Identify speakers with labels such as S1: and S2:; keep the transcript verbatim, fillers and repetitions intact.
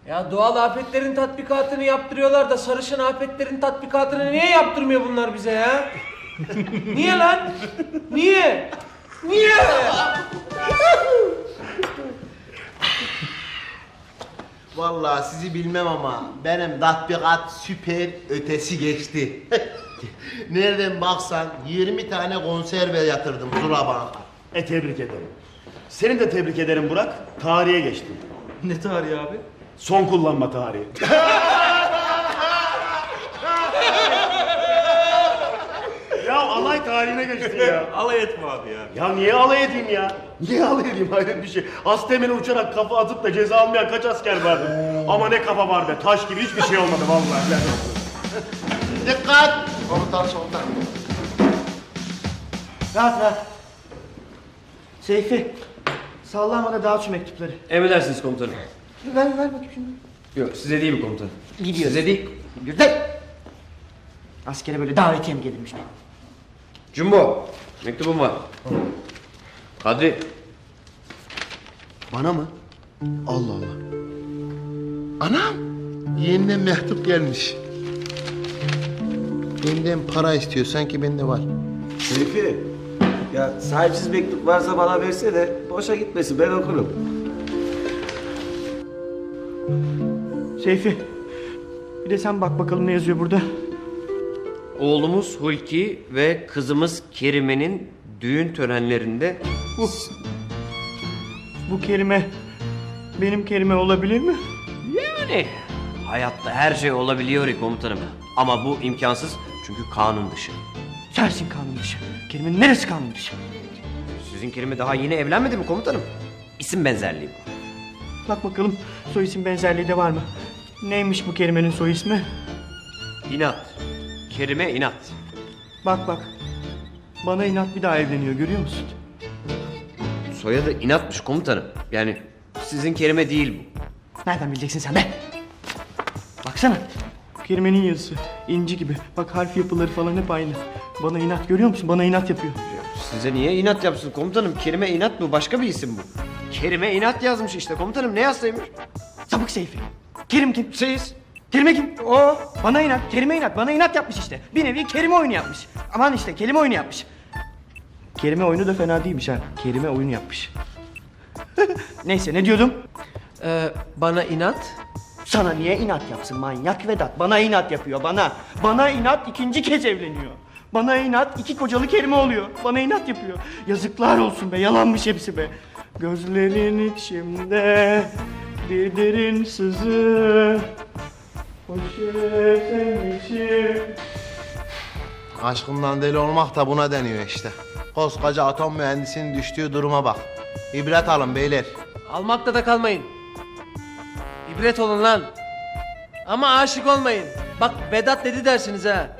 S1: Ya doğal afetlerin tatbikatını yaptırıyorlar da sarışın afetlerin tatbikatını niye yaptırmıyor bunlar bize ya? Niye lan? Niye? Niye?
S2: Vallahi sizi bilmem ama benim tatbikat süper ötesi geçti. Nereden baksan yirmi tane konserve yatırdım Zula Bank'a.
S3: E tebrik ederim. Seni de tebrik ederim Burak. Tarihe geçtin.
S1: Ne tarihi abi?
S3: Son kullanma tarihi. Ya alay tarihine geçtin ya.
S4: Alay etme abi ya.
S3: Ya niye alay edeyim ya? Niye alay edeyim hayret bir şey. Astemine uçarak kafa atıp da ceza almayan kaç asker vardı? Ama ne kafa var be, taş gibi hiçbir şey olmadı vallahi. Yani.
S2: Dikkat! Komutan soldan.
S5: Rahat rahat. Seyfi, sallama da dağıt şu mektupları.
S6: Emredersiniz komutanım.
S5: Ver, ver bakayım şunu.
S6: Yok size değil mi komutanım?
S5: Gidiyoruz.
S6: Size değil.
S5: Yürü de. Askere böyle davetiye mi gelirmiş?
S6: Jumbo, mektubum var. Kadri.
S2: Bana mı? Allah Allah. Anam! Yeniden mektup gelmiş. Benden para istiyor, sanki bende var.
S4: Seyfi. Ya sahipsiz mektup varsa bana verse de boşa gitmesin, ben okurum.
S5: Seyfi, bir de sen bak bakalım ne yazıyor burada.
S6: Oğlumuz Hulki ve kızımız Kerime'nin düğün törenlerinde...
S5: Bu, bu kelime benim kelime olabilir mi?
S6: Yani hayatta her şey olabiliyor komutanım. Ama bu imkansız çünkü kanun dışı.
S5: Sensin kanun dışı. Kelimenin neresi kanun dışı?
S6: Sizin Kerime daha yeni evlenmedi mi komutanım? İsim benzerliği bu.
S5: Bak bakalım soy isim benzerliği de var mı? Neymiş bu kelimenin soy ismi?
S6: İnat. Kerime inat.
S5: Bak bak. Bana inat bir daha evleniyor, görüyor musun?
S6: Soyadı inatmış komutanım. Yani sizin Kerime değil bu.
S5: Nereden bileceksin sen be? Baksana. Kelimenin yazısı inci gibi. Bak harf yapıları falan hep aynı. Bana inat, görüyor musun? Bana inat yapıyor.
S6: Size niye inat yapsın komutanım? Kerime inat bu, başka bir isim bu. Kerime inat yazmış işte komutanım, ne yazsaymış?
S5: Sapık Seyfi. Kerim kim?
S6: Siz.
S5: Kerime kim? O. Bana inat, Kerime inat. Bana inat yapmış işte. Bir nevi kelime oyunu yapmış. Aman işte kelime oyunu yapmış. Kelime oyunu da fena değilmiş ha. Kelime oyunu yapmış. Neyse, ne diyordum?
S1: Ee, bana inat.
S5: Sana niye inat yapsın manyak Vedat? Bana inat yapıyor, bana. Bana inat ikinci kez evleniyor. Bana inat iki kocalı kelime oluyor. Bana inat yapıyor. Yazıklar olsun be, yalanmış hepsi be. Gözlerin içimde bir derin sızı. Poşetin içi.
S2: Aşkından deli olmak da buna deniyor işte. Koskoca atom mühendisinin düştüğü duruma bak. İbret alın beyler.
S1: Almakta da kalmayın. İbret olun lan. Ama aşık olmayın. Bak Vedat dedi dersiniz ha.